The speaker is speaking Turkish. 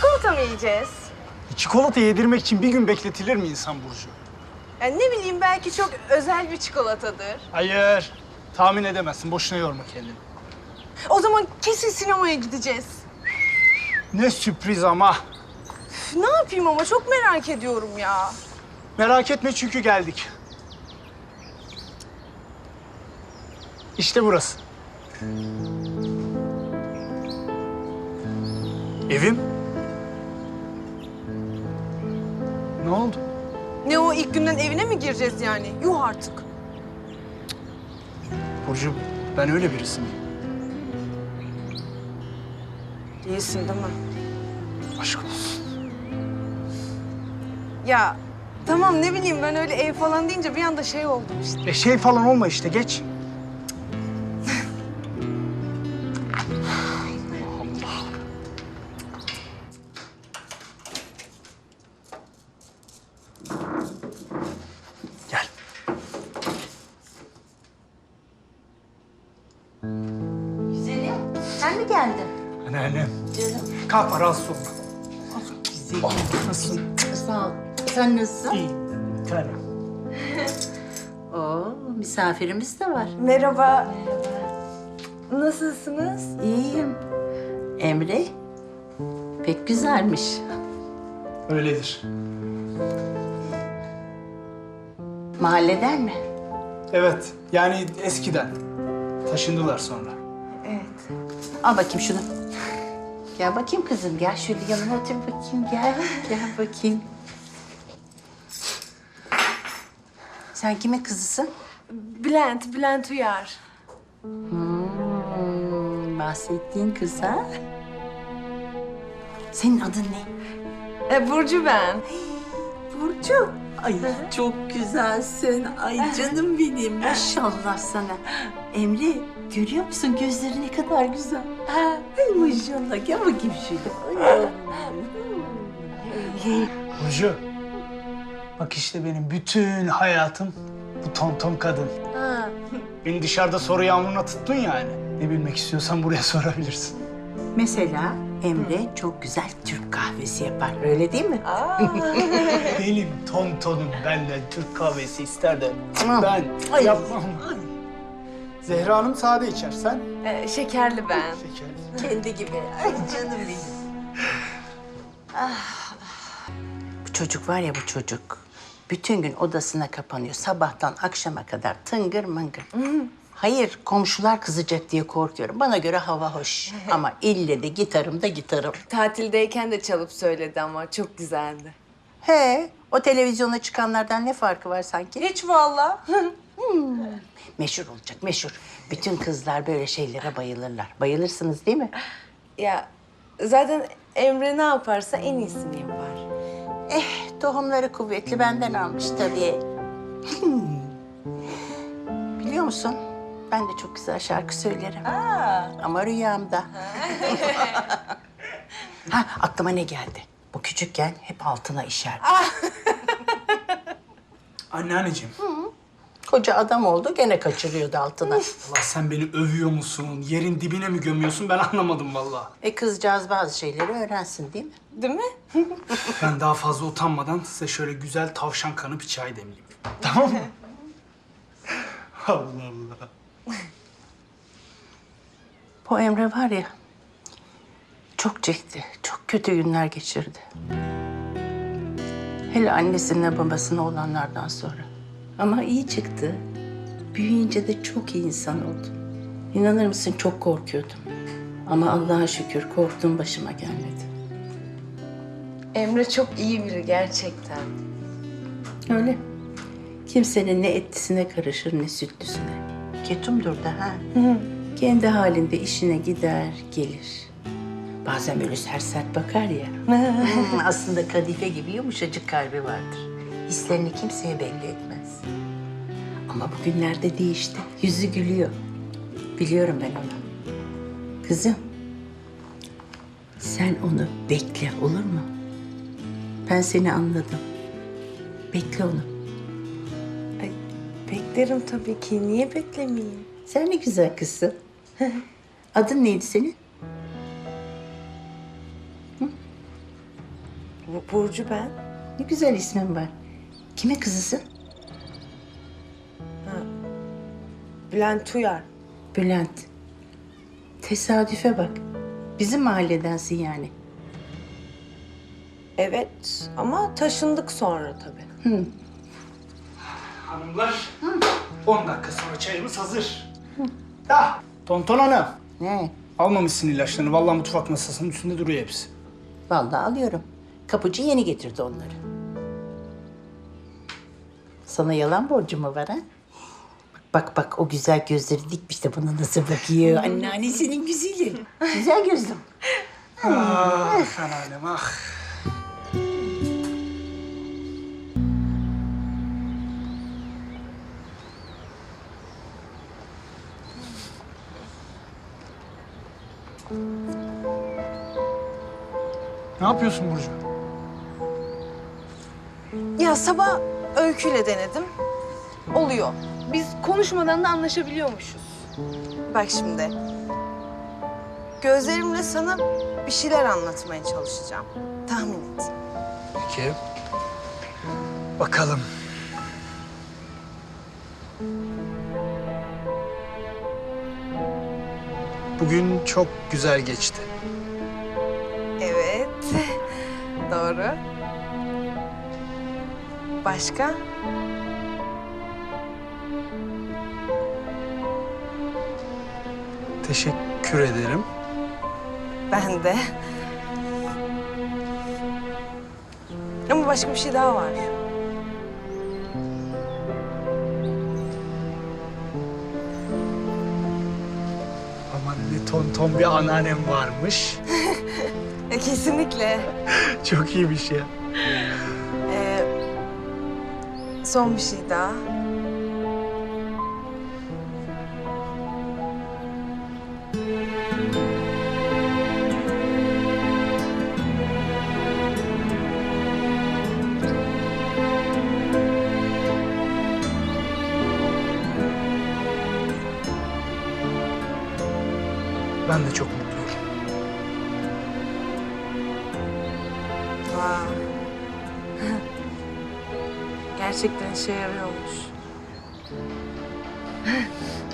Çikolata mı yiyeceğiz? Çikolata yedirmek için bir gün bekletilir mi insan Burcu? Yani ne bileyim belki çok özel bir çikolatadır. Hayır. Tahmin edemezsin. Boşuna yorma kendini. O zaman kesin sinemaya gideceğiz. Ne sürpriz ama. Üf, ne yapayım ama çok merak ediyorum ya. Merak etme çünkü geldik. İşte burası. Evim. Ne oldu? Ne o ilk günden evine mi gireceğiz yani? Yuh artık. Burcu, ben öyle birisi miyim? Değilsin değil mi? Aşk olsun. Ya tamam ne bileyim ben öyle ev falan deyince bir anda şey oldum işte. Şey falan olma işte, geç. Gel. Güzelim, sen mi geldin? Anneannem. Canım. Kalkma, rahatsız olma. Güzelim. Nasılsın? Sağ ol. Sen nasılsın? İyi. Bir tanem. Oo, misafirimiz de var. Merhaba. Nasılsınız? İyiyim. Emre, pek güzelmiş. Öyledir. Mahalleden mi? Evet, yani eskiden. Taşındılar sonra. Evet. Al bakayım şunu. Gel bakayım kızım, gel şöyle yanıma otur bakayım, gel. Gel bakayım. Sen kimin kızısın? Bülent Uyar. Bahsettiğin kız ha? Senin adın ne? Burcu ben. Burcu. Ay çok güzelsin. Ay canım benim. Maşallah sana. Emre görüyor musun gözleri ne kadar güzel. Ay maşallah. Gel bakayım şöyle. Ay. Burcu, bak işte benim bütün hayatım bu tonton kadın. Ha. Beni dışarıda soru yağmuruna tuttun yani. Ne bilmek istiyorsan buraya sorabilirsin. Mesela Emre çok güzel Türk kahvesi yapar. Öyle değil mi? Benim tontonum benden Türk kahvesi ister de Tamam. ben Ay. yapmam. Zehra Hanım sade içer, sen? Şekerli ben. Şeker. Kendi gibi. Ay canım benim. Bu çocuk var ya bu çocuk. Bütün gün odasına kapanıyor. Sabahtan akşama kadar tıngır mıngır. Hayır, komşular kızacak diye korkuyorum. Bana göre hava hoş. Ama ille de gitarım da gitarım. Tatildeyken de çalıp söyledi ama çok güzeldi. He, o televizyona çıkanlardan ne farkı var sanki? Hiç vallahi. Meşhur olacak, meşhur. Bütün kızlar böyle şeylere bayılırlar. Bayılırsınız değil mi? Ya zaten Emre ne yaparsa en iyisini yapar. Tohumları kuvvetli benden almış tabii. Biliyor musun? Ben de çok güzel şarkı söylerim. Ama rüyamda. Ha, aklıma ne geldi? Bu küçükken hep altına işerdi. Anneanneciğim, Koca adam oldu gene kaçırıyordu altına. Allah sen beni övüyor musun? Yerin dibine mi gömüyorsun? Ben anlamadım vallahi. Kızcağız bazı şeyleri öğrensin değil mi? Değil mi? Ben daha fazla utanmadan size şöyle güzel tavşan kanı bir çay demleyeyim. Tamam mı? Allah Allah. Bu Emre var ya, çok çekti, çok kötü günler geçirdi. Hele annesine babasına olanlardan sonra. Ama iyi çıktı. Büyüyünce de çok iyi insan oldu. İnanır mısın çok korkuyordum. Ama Allah'a şükür korktuğum başıma gelmedi. Emre çok iyi biri gerçekten. Öyle. Kimsenin ne etlisine karışır ne sütlüsüne. Ketumdur da ha. Kendi halinde işine gider, gelir. Bazen böyle sert sert bakar ya. Aslında kadife gibi yumuşacık kalbi vardır. Hislerini kimseye belli etmez. Ama bugünlerde değişti. Yüzü gülüyor. Biliyorum ben onu. Kızım, sen onu bekle olur mu? Ben seni anladım. Bekle onu. Ay, beklerim tabii ki. Niye beklemeyeyim? Sen ne güzel kızsın. Adın neydi senin? Burcu ben. Ne güzel ismin var. Kimin kızısın? Bülent Uyar. Bülent. Tesadüfe bak. Bizim mahalledensin yani. Evet ama taşındık sonra tabii. Hanımlar, 10 dakika sonra çayımız hazır. Ah, Tonton Hanım. Ne? Almamışsın ilaçlarını. Vallahi mutfak masasının üstünde duruyor hepsi. Vallahi alıyorum. Kapıcı yeni getirdi onları. Sana yalan borcu mu var ha? Bak bak o güzel gözleri dikmiş de bana nasıl bakıyor. Anneannesinin güzeli. Güzel gözlüm. Ah, anneannem ah. Ne yapıyorsun Burcu? Ya sabah Öykü'yle denedim. Oluyor. Biz konuşmadan da anlaşabiliyormuşuz. Bak şimdi. Gözlerimle sana bir şeyler anlatmaya çalışacağım. Tahmin et. Peki. Bakalım. Bugün çok güzel geçti. Evet. Doğru. Başka? Teşekkür ederim. Ben de. Ama başka bir şey daha var. Aman ne tonton bir anneannem varmış. Kesinlikle. Çok iyiymiş ya. Son bir şey daha. Ben de çok mutluyum. Vay. Gerçekten işe yarıyormuş.